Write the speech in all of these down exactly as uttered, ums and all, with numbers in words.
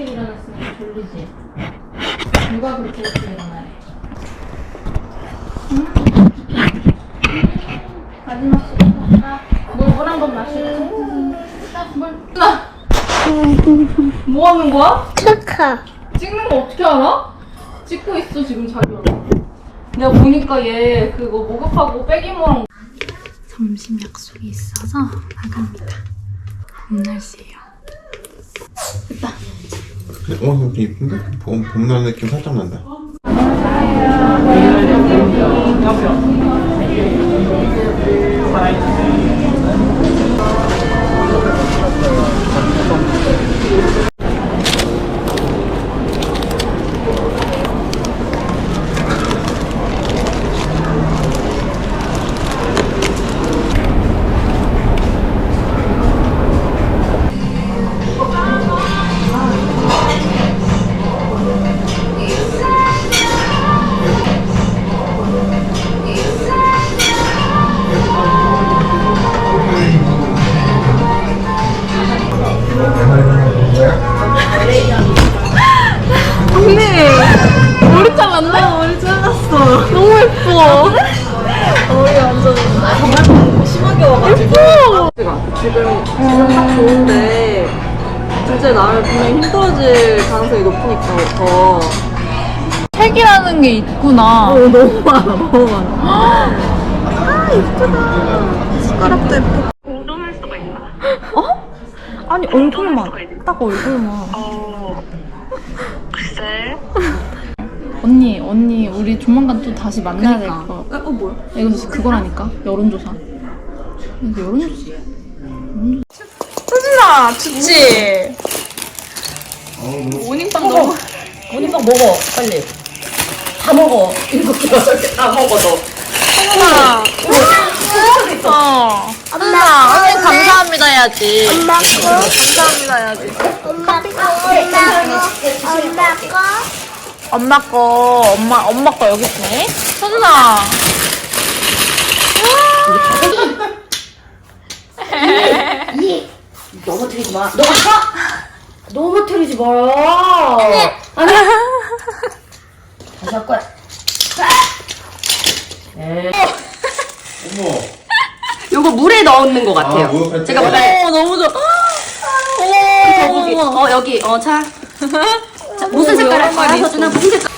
일찍 일어났으면 졸리지? 누가 그렇게 일찍 일어나래? 응? 마지막 시간 물물 한 번 마시고 물 나! 뭐 하는 거야? 축하. 찍는 거 어떻게 알아? 찍고 있어 지금 자기가. 내가 보니까 얘 그거 목욕하고 빼기모랑 점심 약속이 있어서 나갑니다. 봄 날씨예요. 됐다. 어, 좀 이쁜데? 봄, 봄날 느낌 살짝 난다. 언니! 머리 잘랐네? 머리 잘랐어. 너무 예뻐. 머리 완전 정말 심하게 와가지고. 예뻐! 지금 지금 딱 좋은데 둘째 낳으면 분명히 힘들어질 가능성이 높으니까 더. 색이라는 게 있구나. 어, 너무 많아, 너무 많아. 아, 예쁘다. 숟가락도 예쁘고. 공동할 수가 있나? 어? 아니, 얼굴만. 딱 얼굴만. 어, 글쎄. 언니, 언니, 우리 조만간 또 다시 만나야 될 거. 어, 어, 뭐야? 이거 그거라니까? 여론조사. 이거 여론조사. 수진아, 좋지? 모닝빵 너무. 모닝빵 먹어, 빨리. 다 먹어. 일곱 개, 여덟 개 다 먹어, 너. 엄마. 어. 엄마, 언니 감사합니다 해야지. 엄마 거. 감사합니다 해야지. 엄마 거. 엄마 거. 엄마 거, 엄마, 엄마 거 여기 있네. 서준아. 이 넘어뜨리지 마. 너 아파? 넘어뜨리지 마라. 아니. 다시 할 거야. 에이. 어머. 요거 물에 넣는 것 같아요. 아, 목욕할 때? 제가 보다. 어, 너무 좋아. 거북이. 어, 여기. 어, 자. 자, 무슨 색깔 할 거야? 서준아, 무슨 색깔?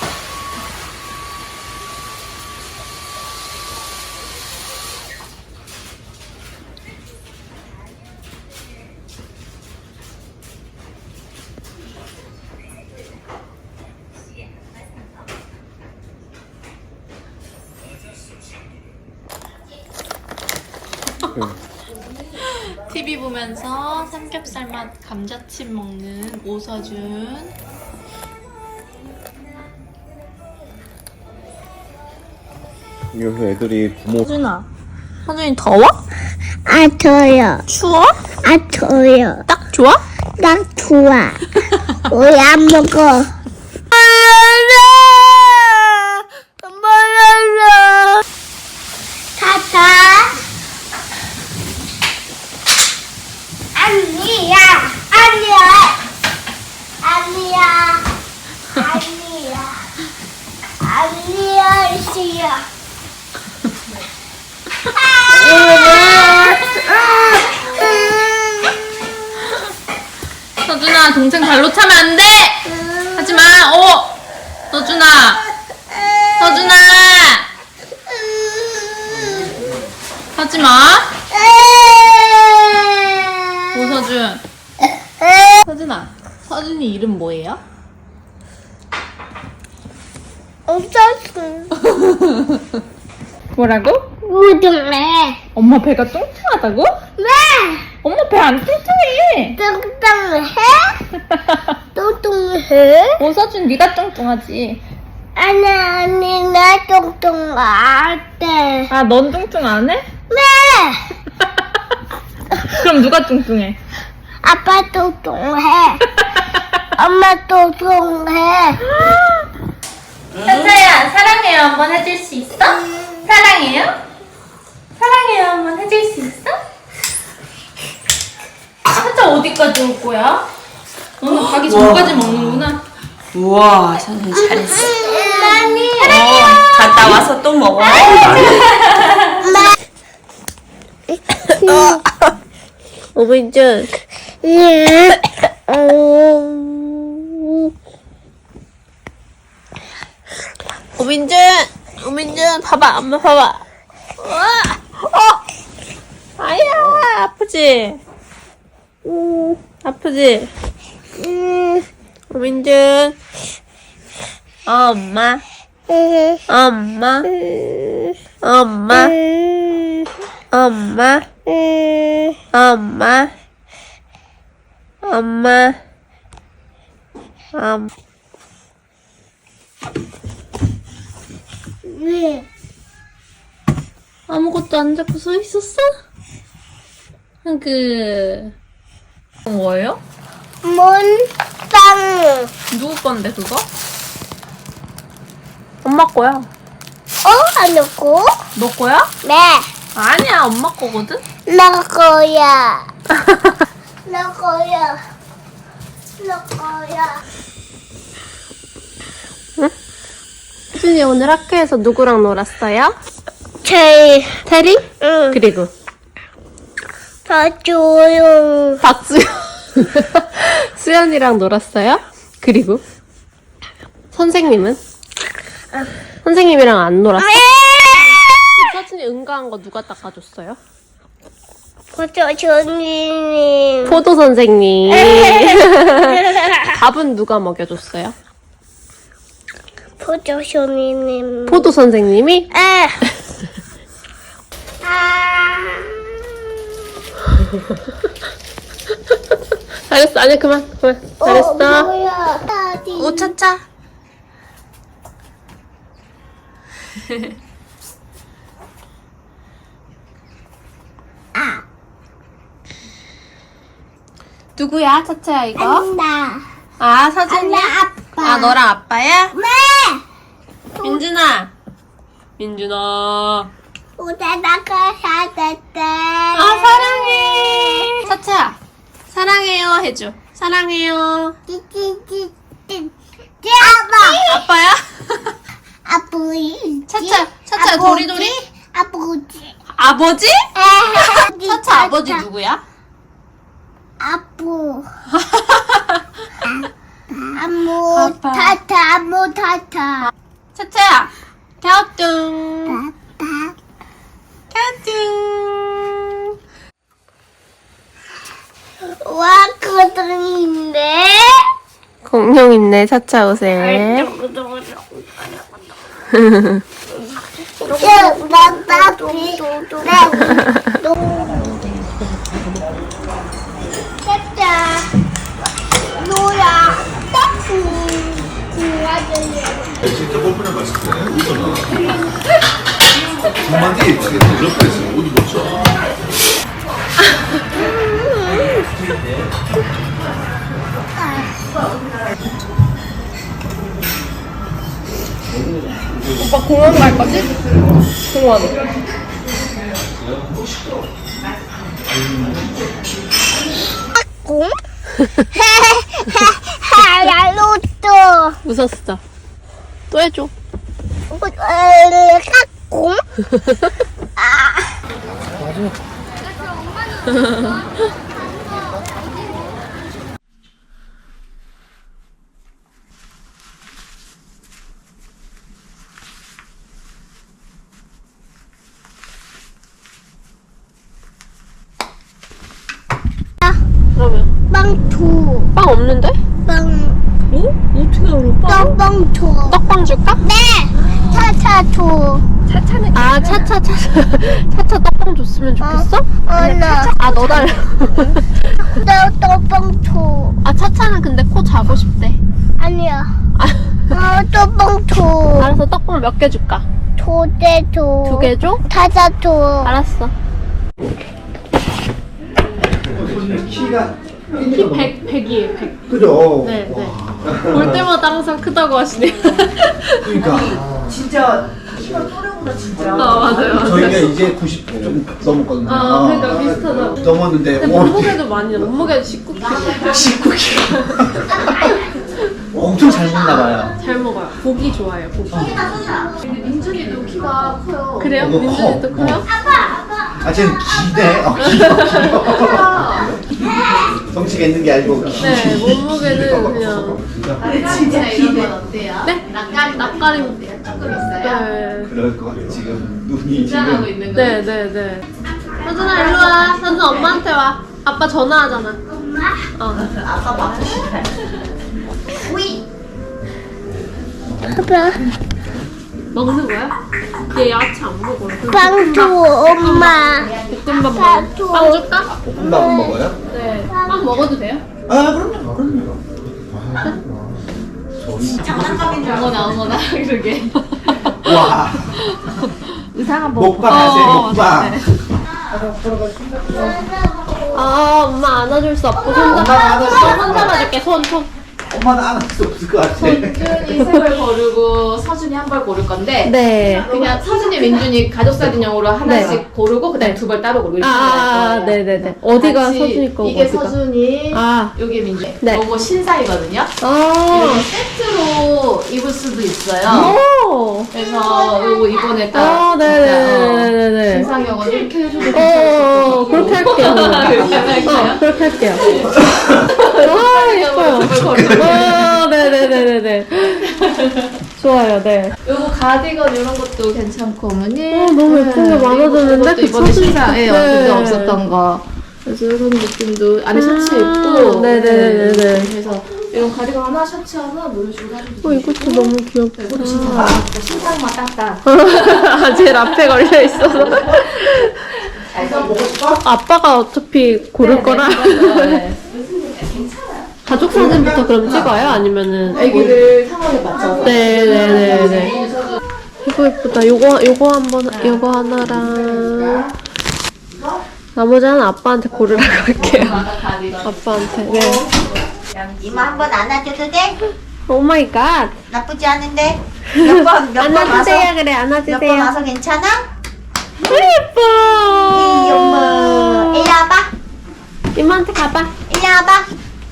티비 보면서 삼겹살 맛 감자칩 먹는 오서준. 여기서 애들이 부모. 서준아. 서준이 더워? 아 더요. 추워? 아 더요. 딱 좋아? 난 좋아. 왜 안 먹어? 타타. 아니야. 아니야. 아니야. 아니야. 아니야. 씨야. 서준아, 동생 발로 차면 안 돼! 하지 마! 어! 서준아! 서준아! 하지 마! 오서준. 서준아, 서준이 이름 뭐예요? 없었어. 뭐라고? 우동래. 엄마 배가 뚱뚱하다고? 왜? 엄마 배 안 뚱뚱해! 뚱뚱해? 뚱뚱해? 오서준 네가 뚱뚱하지. 아니 아니 나 뚱뚱 안 돼. 아, 넌 뚱뚱 안 해? 왜? 그럼 누가 뚱뚱해? 아빠 뚱뚱해. 엄마 뚱뚱해. 현서야, 사랑해요 한번 해줄 수 있어? 사랑해요? 사랑해요 한번 해줄 수 있어? 현서 어디까지 올 거야? 너는 가기 전까지 먹는구나. 우와, 선생님 잘했어. 어, 갔다 와서 또 먹어. 오빈준. 오빈준, 오빈준, 봐봐, 엄마 봐봐. 우와, 어, 아야, 아프지? 음, 아프지? 오빈준, 엄마, 엄마, 엄마, 엄마, 엄마, 엄마, 엄마. 왜? 아무것도 안 잡고 서 있었어? 그 뭐예요? 몬땅. 누구 건데 그거? 엄마 거야. 어? 안 넣고? 너 거야? 네. 아니야, 엄마 거거든. 너 거야. 너 거야. 너 거야. 수진이 오늘 학교에서 누구랑 놀았어요? 제일 테리? 응. 그리고 더 조용. 박수연. 수연이랑 놀았어요? 그리고 선생님은? 선생님이랑 안 놀았어? 서진이 응가한 거 누가 닦아줬어요? 보조조님. 포도 선생님. 밥은 누가 먹여줬어요? 보조조님. 포도 선생님이? 에. 아. 잘했어. 아니 그만 그만. 잘했어. 어, 뭐야? 다디. 옷 찾자. 누구야 차차야 이거? 나. 아 서진이? 아빠. 아 너랑 아빠야? 네. 민준아. 민준아. 우다다가 사줬대. 아 사랑해. 차차야. 사랑해요 해줘. 사랑해요. 찌찌찌찌. 아빠. 아빠야? 아버지. 차차, 차차, 도리도리? 아버지. 아버지? 아버지. 차차 아버지 누구야? 아부. 아무 아빠. 타타 아무 타타. 차차야. 갸우뚱. 아빠. 갸우뚱. 와 그들인데. 공룡 있네 차차 옷에. 나나 비. 짜짜. 노야. 딱지. 진짜 뽀뽀나 맛있네. 웃어나. 한마디 지금 옆에 있으면 어디 보자. 오빠 공원 갈 거지? 공원. 공? 하야로또. 웃었어. 또 해줘. 공? 그러면 빵투. 빵 없는데? 빵. 어? 어떻게 알아? 빵? 떡빵투. 떡빵 줄까? 네. 차차투. 차차는 아 차차 차차 차차 떡빵 줬으면 좋겠어? 어나. 아 너 달라. 나 떡빵투. 아 차차는 근데 코 자고 싶대. 아니야. 아, 어 떡빵투. 알았어 떡빵 몇 개 줄까? 도대투. 두 개 줘? 타자투. 알았어. 키가 키 백, 백이에요, 백. 그죠? 네, 네. 볼 때마다 항상 크다고 하시네요. 그러니까 진짜 아 맞아요. 맞아요. 저희가 이제 구십 좀 넘었거든요. 아 그러니까 비슷하다. 넘었는데 근데 오, 몸무게도 많이 몸무게도 십구 킬로그램. 십구 킬로그램. 엄청 잘 먹나 봐요. 잘 먹어요. 고기 좋아해요. 고기. 근데 민준이도 키가 커요. 그래요? 이거 커. 민준이도 커요? 아, 쟤는 기네. 어, 길어, 길어. 덩치가 있는 게 아니고 기. 네, 몸무게는 그냥. 진짜 이런 건 어때요? 네? 낯가림 낯가림. 조금 있어요? 네. 그럴 것 같아. 지금 눈이 긴장하고 지금. 있는 거. 네, 네, 네. 서준아 일로 와. 서준 엄마한테 와. 아빠 전화하잖아. 엄마? 어. 아빠 먹는 거야? 얘 야채 안 먹어. 빵 줘, 엄마. 볶음밥 빵 먹어. 줘. 빵 줄까? 볶음밥 먹어요? 네. 빵 먹어도 돼요? 아, 그럼요, 그럼요. 어머나 어머나 그러게. 와. 이상한 먹방 하세요, 어, 먹방. 아, 엄마 안아줄 수 없고 손 엄마가 잡아. 안아줄 수 손 없구나. 잡아줄게. 손, 손. 엄마는 안 할 수 없을 것 같아. 민준이 세 벌 고르고 서준이 한 벌 고를 건데 네. 그냥 서준이 민준이 가족 사진용으로 하나씩 네. 고르고 그다음 두 벌 따로 고르고 이렇게 아, 할 거예요. 네네네. 어디가 같이 서준이 거고 이게 어디가? 서준이, 아. 요게 민준. 네. 요거 신사이거든요. 아. 이렇게 세트로 입을 수도 있어요. 오. 그래서 요거 이번에 딱 아, 네네네네네. 신상이어가지고 이렇게 해줘도 어, 그렇게 할게요. 그렇게 할까요? 어, 그렇게 할게요. 아, 예뻐요. 아, 네네네네네. 좋아요, 네. 요거 가디건 이런 것도 괜찮고 어머니. 어, 너무 예쁜 게 많아졌는데? 이것도 이번에 그 신사에 네. 그때 없었던 거. 그래서 이런 느낌도 안에 셔츠 입고. 음, 네네네네. 네. 그래서 이런 가디건 하나, 셔츠 하나, 이런 식으로 해줘도 어, 이것도 너무 귀엽다. 이것도 신상. 신상만 딱딱. 아, 제일 앞에 걸려 있어서. 아빠가 어차피 고를 거라. 네. 가족 사진부터 그럼 찍어요? 아니면은. 애기들 상황에 맞춰서. 네네네네. 이거 예쁘다. 요거, 요거 한 번, 요거 하나랑. 나머지 하나 아빠한테 고르라고 할게요. 아빠한테. 네. 이모 한번 안아줘도 돼? 오 마이 갓. 나쁘지 않은데? 몇 번, 몇 번 와서? 안아주세요, 그래, 몇 번 안아주세요. 와서 괜찮아? 예뻐. 이 엄마 일로 와봐. 이모한테 가봐. 일로 와봐.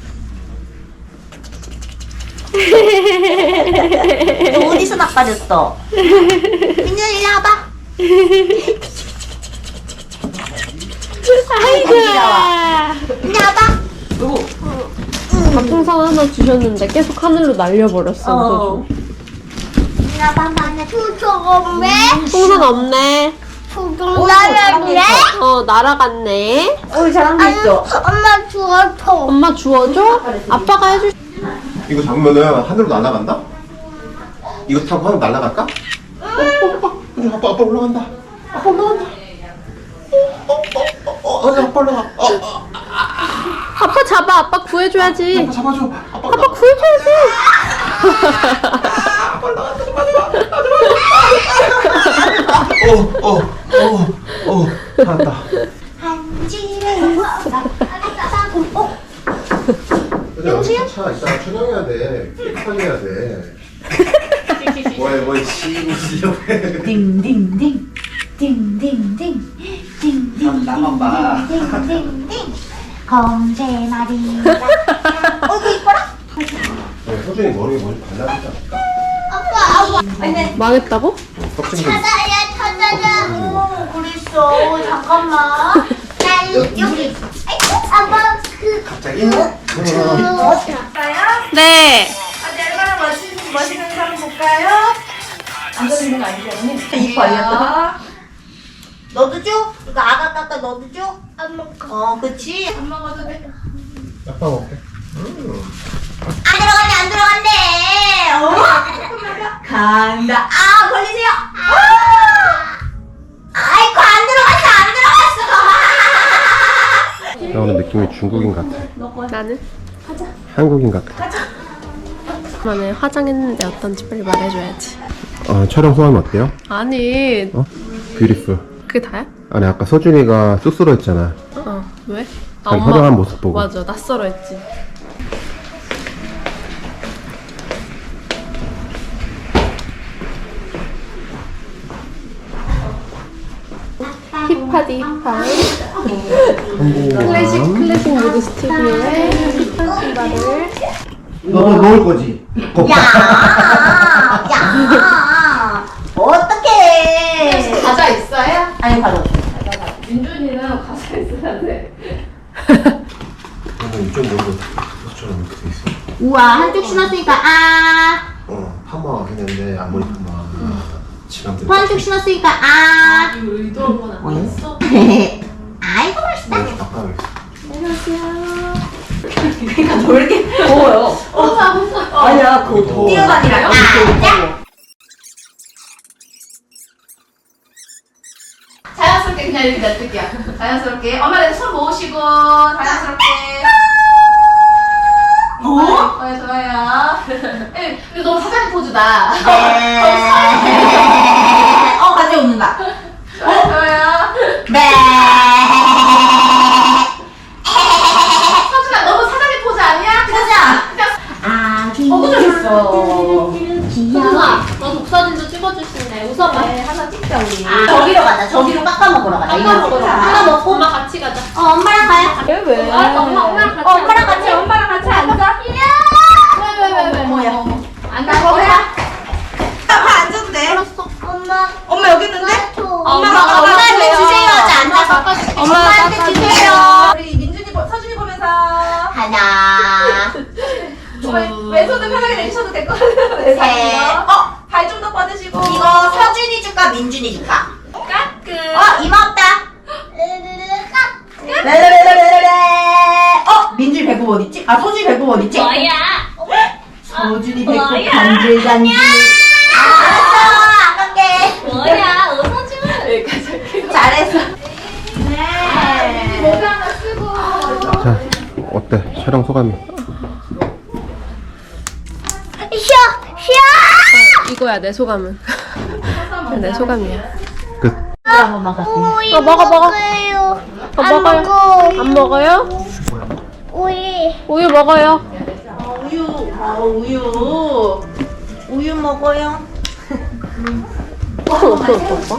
너 어디서 나빠졌어? 민준 일로 와봐. 아이고. 일로 와봐. 밥풍선 하나 주셨는데 계속 하늘로 날려버렸어. 어. 일로 와봐. 한번 안아줘. 조금매 풍선 없네. 조금 나였네. 어, 날아갔네. 우리 사람도 있어. 엄마 주워줘. 엄마 주워줘? 아빠가 해줄. 이거 잡으면은 하늘로 날아간다? 이거 타고 하늘 날아갈까? 어, 어, 어, 아빠 아빠 올라간다. 아빠 올라간다. 어, 어, 어, 어, 어, 아빠 올라가. 어, 어, 아빠 잡아. 아빠 구해줘야지. 아빠 잡아줘. 아빠 아빠 구해줘야지. 아빠 올라간다. 좀 마지막. 마지막. 어, 어, 어, 어, 살았다. 영수야? 차 이따가 촬영해야 돼. 깨끗하게 해야 돼. 뭐야 뭐 시고 시려고 해. 띵띵띵. 띵띵띵. 띵띵. 나만 봐. 띵띵띵. 검새 말이다. 어이구 이뻐라. 네, 서준이 머리에 뭔지 발라주지 않을까? 아빠, 아빠. 망했다고? 껍질 좀. 찾아야 찾아야. 어, 그랬어. 잠깐만. 나 여기. 아이고, 아빠 그. 갑자기? 네. 얼마나 멋있는, 멋있는 사람 볼까요? 앉아있는 거 아니지 어머니? 이뻐 아니야? 너도 줘? 이거 아가 깎아 너도 줘? 안 먹어. 어, 그치? 안 먹어도 돼. 아빠 먹게. 안 들어갔네, 안 들어갔네. 어? 간다. 아, 걸리세요. 아! 아이고, 안 들어갔어, 안 들어갔어. 나오는 느낌이 중국인 같아. 나는? 한국인 같아. 만에 화장했는데 어떤지 빨리 말해줘야지. 아, 촬영 소감이 어때요? 아니, 어? 뷰티풀. 그게 다야? 아니 아까 서준이가 쑥스러웠잖아. 어, 왜? 자기 화장한 모습 보고. 맞아, 낯설어 했지. 파디 방. 클래식 클래식 모드 스튜디오에 신발을. 너도 먹을 거지? 야, 야, 어떡해. 과자 있어요? 아니, 바로. 민준이는 과자 있어야 돼. 이쪽 머리가 저처럼 이렇게 돼 있어. 우와, 한쪽 신었으니까, 아. 어, 파마 했는데 앞머리 파마. 지난번에. 한쪽 신었으니까, 아. 이거 의도한 건 아니었어? 아이고, 맛있다. 그러니까 너 왜 이렇게 더워요? 혼자 혼자. 아니야, 그거 더워. 뛰어다니라. 아, 자연스럽게 그냥 이렇게 놔둘게요. 자연스럽게. 엄마 내 손 모으시고 자연스럽게. 어? 네, 좋아요. 네, 근데 너무 사장님 포즈다. 네. 어, 같이 웃는다. 좋아요, 좋아요. 네. 서준아, 너무 사장님 포즈 아니야? 가자. 그냥 아, 어, 그죠? 귀여워. 너 독사진도 찍어주실래? 웃어봐. 네, 하나 찍자 우리. 아, 저기로 가자. 저기로 깎아 먹으러 가자. 아까 먹으러 하나 먹고. 엄마 같이 가자. 어, 엄마랑 가요. 왜 왜? 알았어, 엄마 엄마랑 같이. 어, 엄마랑 같이, 엄마랑 같이 앉아. 왜왜왜 왜? 어머야. 앉아 거기야. 다 앉아도 돼. 엄마. 엄마 여기 있는데? 엄마가 엄마가 엄마한테 깎아주세요. 주세요. 하자, 앉아서. 깎아줄게. 엄마한테 주세요. 우리 민준이 보- 서준이 보면서. 하나. 왼손도 편하게 내주셔도 될 것 같아요. 셋. 어, 발 좀 더 뻗으시고. 이거 서준이 줄까, 민준이 줄까? 까끔. 어, 이마 없다. 레레레레레레. 어, 민준이 배꼽 어딨지? 아, 서준이 배꼽 어딨지? 뭐야? 서준이 배꼽 간질간질. 알았어, 안 갈게. 뭐야? 웃어줘. 여기까지 할게요. 잘했어. 네. 모자 하나 쓰고. 자, 어때? 촬영 소감이? 쉬어, 쉬어. 이거야 내 소감은. 내 소감이야. 끝. 우유 어, 먹어, 먹어. 먹어요. 어, 안 먹어요. 먹어. 안 먹어요? 우유. 우유 먹어요. 우유, 어, 우유. 우유 먹어요. 어, 또, 또, 또.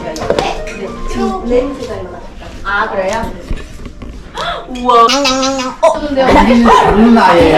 아, 그래요? 우와. 좋은 아이예요.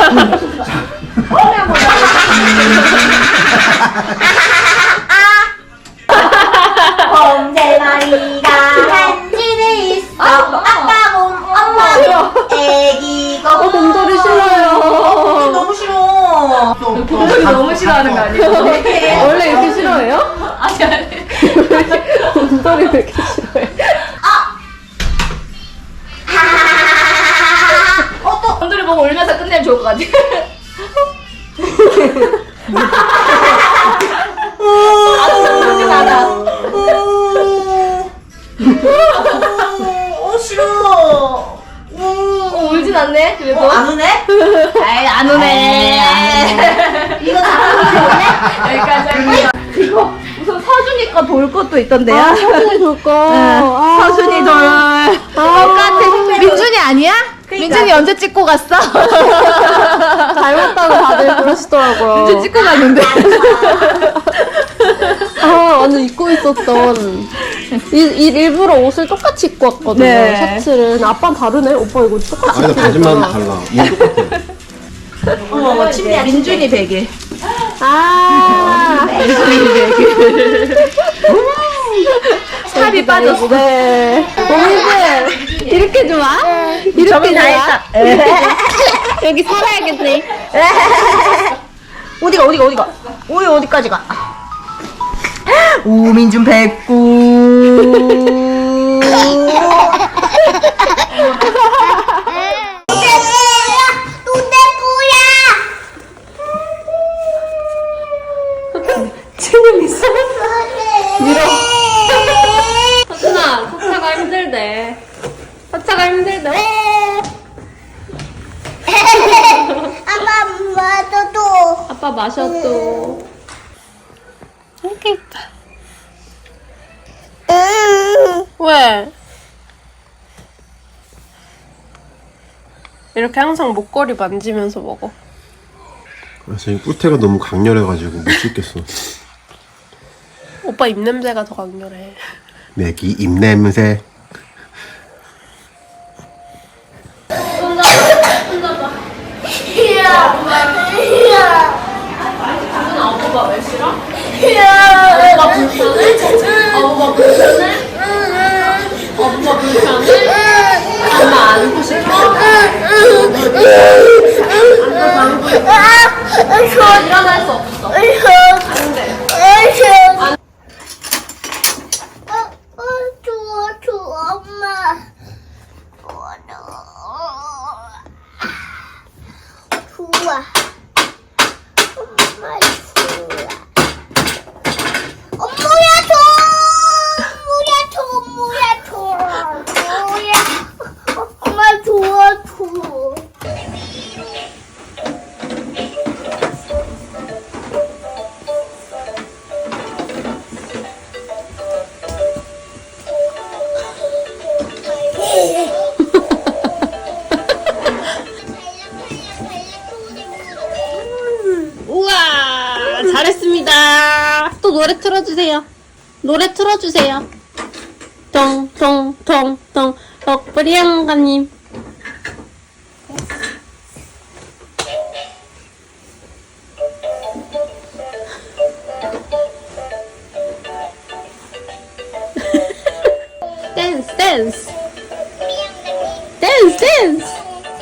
곰새마리가 한 집에 있어. 아빠 곰, 엄마 곰, 애기 곰. 어, 곰돌이 싫어요. 너무 싫어. 곰돌이 너무 싫어하는 거 아니에요? 원래 이렇게 싫어해요? 아니 아니. 곰돌이 왜 이렇게 싫어해? 어, 또. 곰돌이 보고 울면서 끝내면 좋을 것 같아. 울진 않아. 어, 싫어. 어, 울진 않네. 그래도. 어, 안 우네? 아이 안 우네. 이거 다 여기까지 할게요. 이거 우선 서준이 거 돌 것도 있던데요? 아, 서준이 돌 거. 아. 서준이 돌. 똑같아. 민준이 아니야? 민준이 언제 찍고 갔어? 닮았다고 다들 그러시더라고요. 민준 찍고 갔는데. 아, 완전 입고 있었던. 이, 이 일부러 옷을 똑같이 입고 왔거든요. 네. 셔츠를. 아빠는 다르네? 오빠 이거 똑같이 아니, 입고 바지만 있잖아. 달라. 이거 똑같아. 어머, 어머, 침대야. 민준이 베개. 아. 살이 빠졌어. 네. 오미들 이렇게 좋아? 이렇게 좋아? 여기 살아야겠네. 어디가, 어디가, 어디가? 우유 어디까지 가? 우민준 백구. 서준아, 서차가 힘들대. 서차가 힘들대. 아빠 맞아도. 아빠 마셔도. 이렇게 있다. 왜? 이렇게 항상 목걸이 만지면서 먹어. 그래서 이 꿀태가 너무 강렬해가지고 못 씹겠어. 오빠 입냄새가 더 강렬해. 내기 입냄새. 일어날 수 없어. 어, 좋아, 좋아, 엄마. 좋아. 엄마 좋아. 엄마야 줘. 엄마야 줘. 엄마야 줘. 엄마야. 엄마 좋아, 줘. 우와, 잘했습니다. 또 노래 틀어주세요. 노래 틀어주세요. 통통통통 럭브리 양가님. 댄스 댄스 댄스 댄스.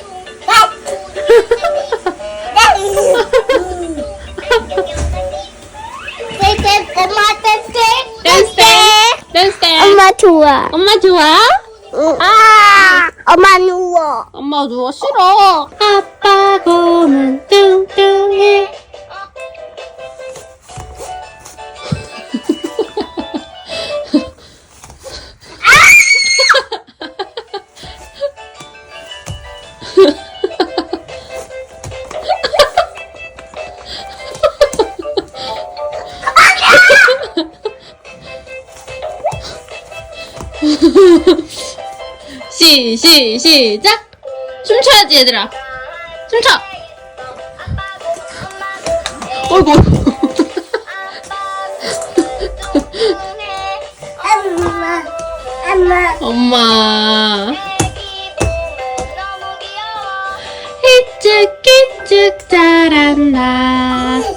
엄마 댄스. 댄스 댄스 댄스. 엄마 좋아. 엄마 좋아? 아, 엄마 누워. 엄마 누워 싫어. 아빠 곰은 뚱뚱해. 시, 시, 시작! 춤춰야지, 얘들아. 춤춰! 어이구. 엄마, 엄마. 엄마. 희쭉희쭉 자란다.